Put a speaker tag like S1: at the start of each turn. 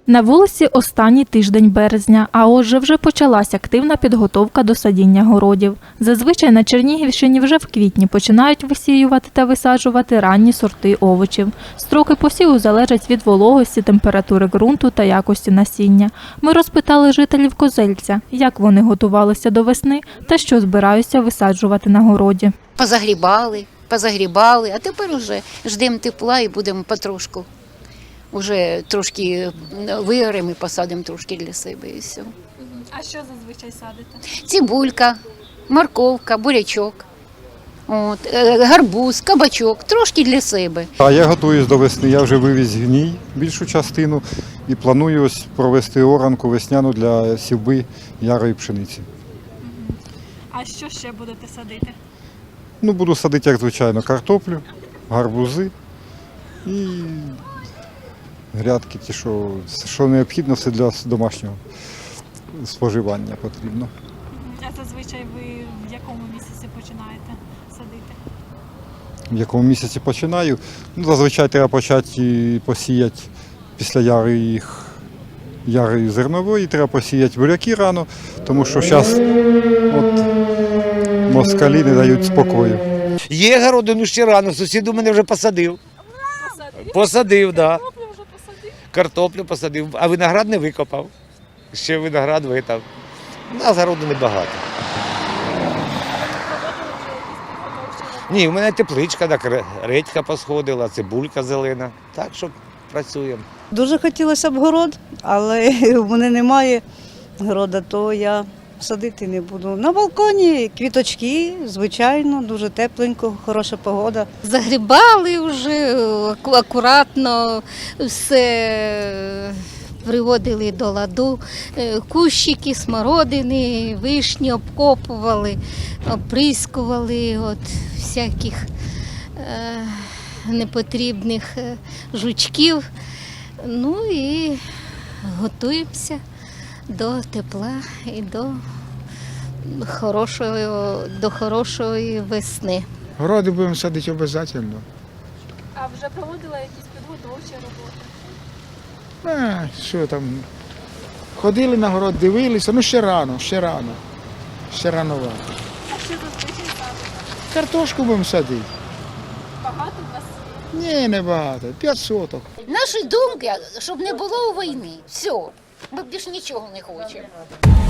S1: На вулиці останній тиждень березня, а отже вже почалась активна підготовка до садіння городів. Зазвичай на Чернігівщині вже в квітні починають висіювати та висаджувати ранні сорти овочів. Строки посіву залежать від вологості, температури ґрунту та якості насіння. Ми розпитали жителів Козельця, як вони готувалися до весни та що збираються висаджувати на городі.
S2: Позагрібали, а тепер вже ждемо тепла і будемо потрошку. Уже трошки вигоремо і посадимо трошки для себе і все.
S1: А що зазвичай садите?
S2: Цибулька, морковка, бурячок, гарбуз, кабачок, трошки для себе.
S3: А я готуюсь до весни, я вже вивіз гній більшу частину і планую ось провести оранку весняну для сівби ярої пшениці.
S1: А що ще будете садити?
S3: Буду садити, як звичайно, картоплю, гарбузи і грядки, ті, що необхідно, все для домашнього споживання потрібно.
S1: А зазвичай ви в якому місяці починаєте садити?
S3: В якому місяці починаю? Зазвичай треба почати посіяти після яри зернової, треба посіяти буряки рано, тому що зараз москалі не дають спокою.
S4: Є городи, ще рано, сусід у мене вже посадив. Посадив, так. Картоплю посадив, а виноград не викопав. Ще виноград витав. У нас городу небагато. Ні, у мене тепличка, так, редька посходила, цибулька зелена. Так що працюємо.
S5: Дуже хотілося б город, але в мене немає города, то я садити не буду. На балконі квіточки, звичайно, дуже тепленько, хороша погода.
S6: Загрібали вже акуратно, все приводили до ладу. Кущики, смородини, вишні обкопували, оприскували від всяких непотрібних жучків. Ну і готуємося до тепла і до хорошої весни.
S7: Городи будемо садити обов'язково.
S1: А вже проводили якісь підготовчі роботи?
S7: Що там? Ходили на город, дивилися, ще рано. Ще рановато.
S1: А що зазвичай садите?
S7: Картошку будемо садити.
S1: Багато у вас?
S7: Ні, не багато. 5 соток.
S2: Наші думки, щоб не було війни. Все, ми більше нічого не хочемо.